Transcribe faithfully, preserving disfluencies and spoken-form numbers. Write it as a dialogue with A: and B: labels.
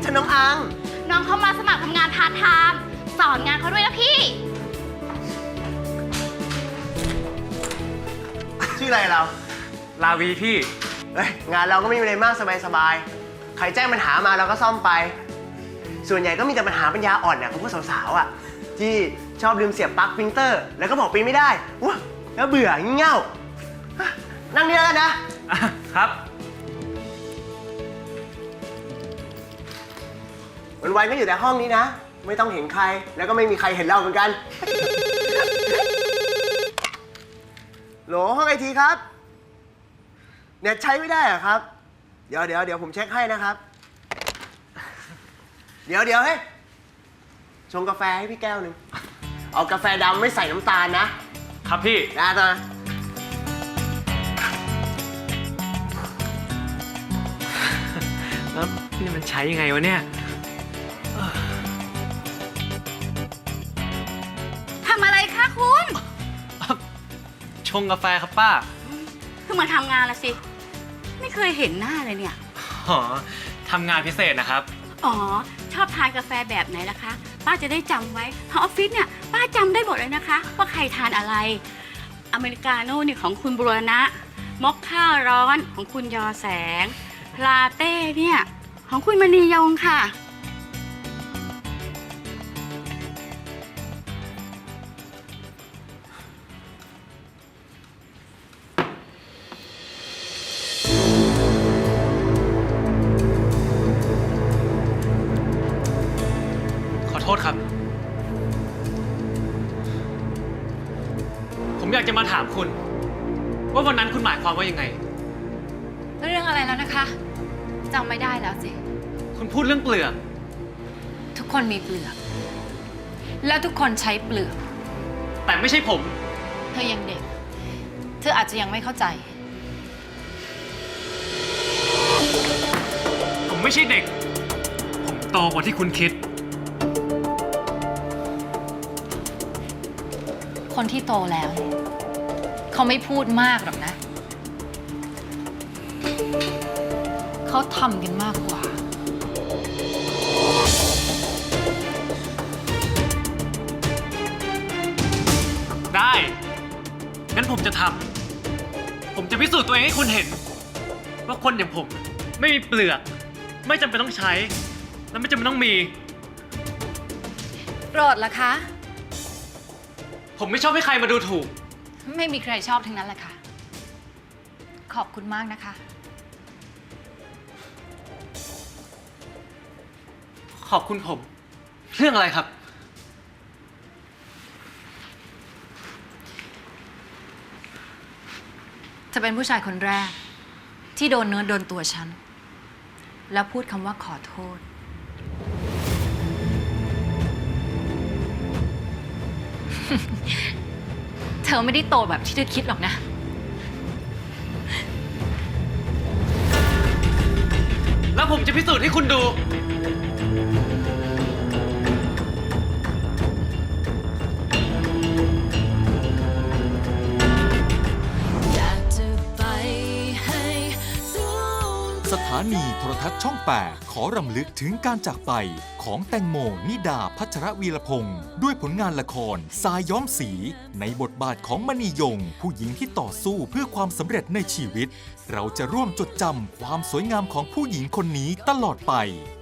A: ฉันน้องอัง
B: น้องเขามาสมัครทำงานพาร์ทไทม์สอนงานเขาด้วยนะพี่
A: ชื่ออะไรเรา
C: ลาวีพี่
A: เฮ้ยงานเราก็ไม่มีอะไรมากสบายๆใครแจ้งปัญหามาเราก็ซ่อมไปส่วนใหญ่ก็มีแต่ปัญหาปัญญาอ่อนเนี่ยของพวกสาวๆอ่ะที่ชอบลืมเสียบปลั๊กปรินเตอร์แล้วก็บอกปรินไม่ได้ว้าแล้วเบื่องี่เง่านั่งนี่แล้วกันนะครับวันๆก็อยู่แต่ห้องนี้นะไม่ต้องเห็นใครแล้วก็ไม่มีใครเห็นเราเหมือนกันโหลห้องไอทีครับเน็ตใช้ไม่ได้เหรอครับเดี๋ยวเดี๋ยวเดี๋ยวผมเช็คให้นะครับเดี๋ยวเดี๋ยวเฮ้ยชงกาแฟให้พี่แก้วหนึ่งเอากาแฟดำไม่ใส่น้ำตาลนะครับ
C: พี่
A: นะตา
C: แล้วนี่มันใช้ยังไงวะเนี่ย
B: ทำอะไรคะคุณ
C: ชงกาแฟครับป้า
B: เพิ่งมาทำงานละสิไม่เคยเห็นหน้าเลยเนี่ย
C: อ๋อทำงานพิเศษนะครับ
B: อ๋อชอบทานกาแฟแบบไหนล่ะคะป้าจะได้จำไว้ทางออฟฟิศเนี่ยป้าจำได้หมดเลยนะคะว่าใครทานอะไรอเมริกาโน่นี่ของคุณบุรณะมอคค่าร้อนของคุณยอแสงลาเต้เนี่ยของคุณมณียงค่ะ
C: ขอโทษครับผมอยากจะมาถามคุณว่าวันนั้นคุณหมายความว่ายังไง
D: เรื่องอะไรแล้วนะคะจำไม่ได้แล้วสิ
C: คุณพูดเรื่องเปลือก
D: ทุกคนมีเปลือกแล้วทุกคนใช้เปลือก
C: แต่ไม่ใช่ผม
D: เธอยังเด็กเธออาจจะยังไม่เข้าใจ
C: ผมไม่ใช่เด็กผมโตกว่าที่คุณคิด
D: คนที่โตแล้วเนี่ยเขาไม่พูดมากหรอกนะเขาทำกันมากกว่า
C: ได้งั้นผมจะทำผมจะพิสูจน์ตัวเองให้คุณเห็นว่าคนอย่างผมไม่มีเปลือกไม่จำเป็นต้องใช้และไม่จำเป็นต้องมี
D: โปรดล่ะคะ
C: ผมไม่ชอบให้ใครมาดูถูก
D: ไม่มีใครชอบทั้งนั้นแหละค่ะขอบคุณมากนะคะ
C: ขอบคุณผมเรื่องอะไรครับ
D: จะเป็นผู้ชายคนแรกที่โดนเนื้อโดนตัวฉันแล้วพูดคำว่าขอโทษเธอไม่ได้โตแบบที่เธอคิดหรอกนะ
C: แล้วผมจะพิสูจน์ให้คุณดู
E: สถานีโทรทัศน์ช่องแปดขอรำลึกถึงการจากไปของแตงโมนิดาพัชรวีรพงศ์ด้วยผลงานละครทรายย้อมสีในบทบาทของมณียงผู้หญิงที่ต่อสู้เพื่อความสำเร็จในชีวิตเราจะร่วมจดจำความสวยงามของผู้หญิงคนนี้ตลอดไป